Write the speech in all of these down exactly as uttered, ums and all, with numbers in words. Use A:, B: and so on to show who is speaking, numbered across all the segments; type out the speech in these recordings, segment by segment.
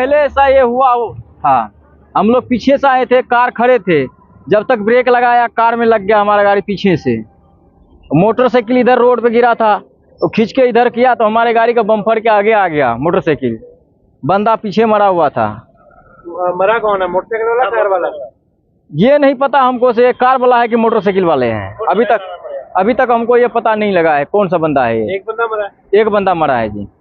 A: पहले ऐसा ये हुआ हो था। हम लोग पीछे से आए थे, कार खड़े थे, जब तक ब्रेक लगाया कार में लग गया हमारा गाड़ी पीछे से। मोटरसाइकिल इधर रोड पे गिरा था, तो खींच के इधर किया तो हमारे गाड़ी का बम्पर के आगे आ गया मोटरसाइकिल। बंदा पीछे मरा हुआ था।
B: मरा कौन है, मोटरसाइकिल वाला कार वाला?
A: ये नहीं पता हमको से कार वाला है कि मोटरसाइकिल वाले हैं। अभी तक अभी तक हमको ये पता नहीं लगा है कौन सा बंदा है।
B: एक बंदा मरा है?
A: एक बंदा मरा है जी।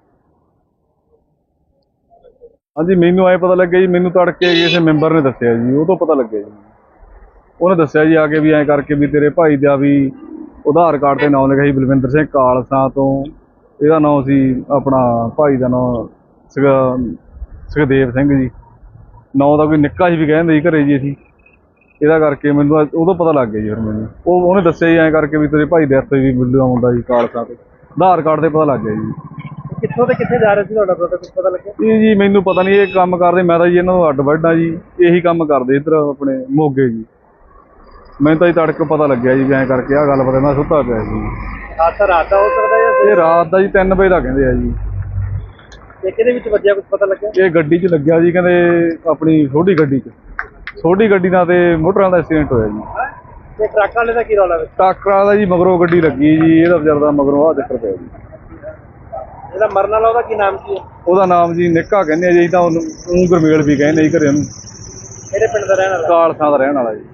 C: हाँ जी, मैनू आए पता लगे जी, मैनू तड़के किसी मैंबर ने दसिया जी, वो तो पता लगे जी। उन्हें दसिया जी आके भी ऐ करके भी तेरे भाई का भी आधार कार्ड ते नाम लिखा जी बलविंदर सिंह कालसा तो, ਇਹਦਾ नाम सी अपना भाई का नाम सुख सुखदेव सिंह जी। नाम का कोई निक्का जी भी कहते जी घरे जी असीं, ਇਹਦਾ ਕਰਕੇ ਮੈਨੂੰ ਉਦੋਂ ਪਤਾ ਲੱਗ ਗਿਆ ਜੀ। ਫਿਰ ਮੈਨੂੰ ਉਹ ਉਹਨੇ ਦੱਸਿਆ ਜੀ ਐਂ ਕਰਕੇ ਵੀ ਤੇਰੇ ਭਾਈ ਡੈਥ ਹੋਈ ਵੀ ਬਿੱਲੂ ਦਾ ਮੁੰਡਾ ਜੀ ਕਾਲਸਾ ਤੇ, ਆਧਾਰ ਕਾਰਡ ਤੇ ਪਤਾ ਲੱਗ ਗਿਆ ਜੀ।
B: ਕਿੱਥੋਂ ਤੇ ਕਿੱਥੇ ਜਾ ਰਹੇ ਸੀ ਤੁਹਾਡਾ ਬ੍ਰਦਰ, ਕੁਝ ਪਤਾ ਲੱਗਿਆ?
C: ਇਹ ਜੀ ਮੈਨੂੰ ਪਤਾ ਨਹੀਂ, ਇਹ ਕੰਮ ਕਰਦੇ, ਮੈਂ ਤਾਂ ਜੀ ਇਹਨਾਂ ਨੂੰ ਅੱਡ ਵੱਢਾ ਜੀ, ਇਹੀ ਕੰਮ ਕਰਦੇ ਇੱਧਰ ਆਪਣੇ ਮੋਗੇ ਜੀ। ਮੈਨੂੰ ਤਾਂ ਜੀ ਤੜਕ ਪਤਾ ਲੱਗਿਆ ਜੀ ਵੀ ਐਂ ਕਰਕੇ ਆਹ ਗੱਲ ਪਤਾ, ਮੈਂ ਸੁੱਤਾ ਪਿਆ ਸੀ।
B: ਹਾਦਸਾ ਰਾਤ ਦਾ ਹੋ ਸਕਦਾ ਜਾਂ
C: ਇਹ ਰਾਤ ਦਾ ਜੀ ਤਿੰਨ ਵਜੇ ਦਾ ਕਹਿੰਦੇ ਆ ਜੀ।
B: ਤੇ ਕਿਹਦੇ ਵਿੱਚ ਵੱਜਿਆ, ਕੁਝ ਪਤਾ ਲੱਗਿਆ?
C: ਇਹ ਗੱਡੀ 'ਚ ਲੱਗਿਆ ਜੀ, ਕਹਿੰਦੇ ਆਪਣੀ ਛੋਟੀ ਗੱਡੀ 'ਚ, ਛੋਟੀ ਗੱਡੀ ਨਾਲ ਤੇ ਮੋਟਰਾਂ ਦਾ ਐਕਸੀਡੈਂਟ ਹੋਇਆ ਜੀ।
B: ਤੇ ਟਰੱਕ ਵਾਲੇ ਦਾ ਕੀ ਰੌਲਾ ਵਿੱਚ?
C: ਟਾਕਰਾ ਦਾ ਜੀ ਮਗਰੋਂ ਗੱਡੀ ਲੱਗੀ ਜੀ, ਇਹਦਾ ਵਿਚਾਰ ਦਾ ਮਗਰੋਂ ਆਹ ਚੱਕਰ ਪਿਆ ਜੀ।
B: ਇਹਦਾ ਮਰਨ ਵਾਲਾ ਉਹਦਾ ਕੀ ਨਾਮ ਕੀ ਹੈ?
C: ਉਹਦਾ ਨਾਮ ਜੀ ਨਿੱਕਾ ਕਹਿੰਦੇ ਆ ਜੀ, ਤਾਂ ਉਹਨੂੰ ਊਂ ਗੁਰਮੇਲ ਵੀ ਕਹਿੰਦੇ ਜੀ ਘਰੇ ਉਹਨੂੰ।
B: ਕਿਹੜੇ ਪਿੰਡ ਦਾ ਰਹਿਣ ਵਾਲਾ?
C: ਕਾਲਸਾ ਦਾ ਰਹਿਣ ਵਾਲਾ ਜੀ।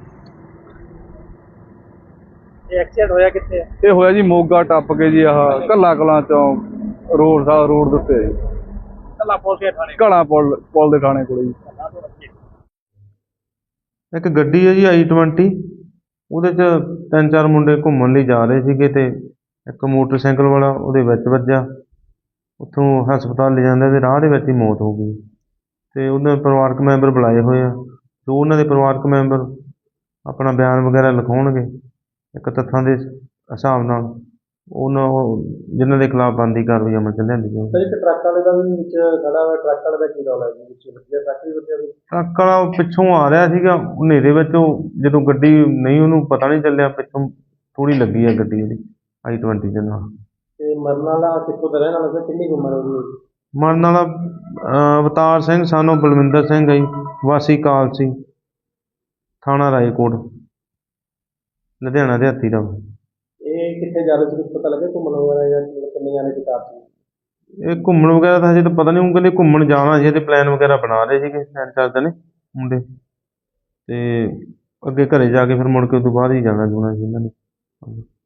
B: ਇਹ ਐਕਸੀਡੈਂਟ ਹੋਇਆ ਕਿੱਥੇ ਹੈ?
C: ਇਹ ਹੋਇਆ ਜੀ ਮੋਗਾ ਟੱਪ ਕੇ ਜੀ, ਆਹ ਕੱਲਾ ਕਲਾਂ ਚੋਂ ਰੋਡ ਸਾਹਿਬ ਰੋਡ ਦੇ ਉੱਤੇ ਜੀ,
B: ਕੱਲਾ ਪੁਲ ਦੇ ਥਾਣੇ,
C: ਘੜਾ ਪੁਲ ਪੁਲ ਦੇ ਥਾਣੇ ਕੋਲੇ ਜੀ।
D: ਇੱਕ ਗੱਡੀ ਹੈ ਜੀ ਆਈ ਟਵੰਟੀ, ਉਹਦੇ 'ਚ ਤਿੰਨ ਚਾਰ ਮੁੰਡੇ ਘੁੰਮਣ ਲਈ ਜਾ ਰਹੇ ਸੀਗੇ ਤੇ ਇੱਕ ਮੋਟਰਸਾਈਕਲ ਵਾਲਾ ਉਹਦੇ ਵਿੱਚ ਵੱਜਾ। ਉੱਥੋਂ ਹਸਪਤਾਲ ਲੈ ਜਾਂਦੇ ਤੇ ਰਾਹ ਦੇ ਵਿੱਚ ਹੀ ਮੌਤ ਹੋ ਗਈ। ਤੇ ਉਹਦੇ ਪਰਿਵਾਰਕ ਮੈਂਬਰ ਬੁਲਾਏ ਹੋਏ ਆ, ਜੋ ਉਹਨਾਂ ਦੇ ਪਰਿਵਾਰਕ ਮੈਂਬਰ ਆਪਣਾ ਬਿਆਨ ਵਗੈਰਾ ਲਿਖਾਉਣਗੇ ਇੱਕ ਤੱਥਾਂ ਦੇ ਹਿਸਾਬ ਨਾਲ, ਉਹਨਾਂ ਜਿਨ੍ਹਾਂ ਦੇ ਖਿਲਾਫ ਬਣਦੀ ਕਾਰਵਾਈ ਅਮਲ 'ਚ ਲਿਆਂਦੀ ਜਾਊਗੀ।
B: ਇੱਕ ਟਰੱਕ ਵਾਲੇ ਦਾ ਵੀ ਵਿੱਚ ਖੜਾ ਹੋਇਆ, ਟਰੱਕ ਵਾਲੇ ਦਾ ਕੀ ਰੌਲਾ ਜੀ? ਵਿੱਚ ਵੱਜਿਆ ਟਰੱਕ ਵੀ ਵੱਜਿਆ?
D: ਟਰੱਕ ਵਾਲਾ ਪਿੱਛੋਂ ਆ ਰਿਹਾ ਸੀਗਾ ਹਨੇਰੇ ਵਿੱਚ, ਉਹ ਜਦੋਂ ਗੱਡੀ ਨਹੀਂ ਉਹਨੂੰ ਪਤਾ ਨਹੀਂ ਚੱਲਿਆ, ਪਿੱਛੋਂ ਥੋੜ੍ਹੀ ਲੱਗੀ ਆ ਗੱਡੀ ਉਹਦੀ ਆਈ ਟਵੰਟੀ ਦੇ ਨਾਲ।
B: ਤੇ ਮਰਨ ਵਾਲਾ ਕਿੱਥੋਂ ਦਾ ਰਹਿਣ ਵਾਲਾ ਸੀ, ਕਿੰਨੀ ਉਮਰ ਉਹਦੀ?
D: ਮਰਨ ਵਾਲਾ ਅਵਤਾਰ ਸਿੰਘ ਸਾਨੂੰ ਬਲਵਿੰਦਰ ਸਿੰਘ ਹੈ ਜੀ, ਵਾਸੀ ਕਾਲਸੀ, ਥਾਣਾ ਰਾਏਕੋਟ, ਲੁਧਿਆਣਾ ਦਿਹਾਤੀ ਦਾ।
B: ਇਹ ਕਿੱਥੇ ਜਾ ਰਹੇ ਸੀ, ਕੁਝ ਪਤਾ ਲੱਗਿਆ? ਘੁੰਮਣ ਵਗੈਰਾ ਜਾਂ ਕਿੰਨੇ ਜਾਣੇ ਦੀ ਕਾਰ ਸੀ?
D: ਇਹ ਘੁੰਮਣ ਵਗੈਰਾ ਤਾਂ ਹਜੇ ਤਾਂ ਪਤਾ ਨਹੀਂ, ਉਹ ਕਹਿੰਦੇ ਘੁੰਮਣ ਜਾਣਾ ਸੀ, ਇਹਦੇ ਪਲਾਨ ਵਗੈਰਾ ਬਣਾ ਰਹੇ ਸੀਗੇ ਤਿੰਨ ਚਾਰ ਦਿਨ ਮੁੰਡੇ, ਤੇ ਅੱਗੇ ਘਰੇ ਜਾ ਕੇ ਫਿਰ ਮੁੜ ਕੇ ਉਸ ਤੋਂ ਬਾਅਦ ਹੀ ਜਾਣਾ ਜੂਣਾ ਸੀ ਇਹਨਾਂ ਨੇ।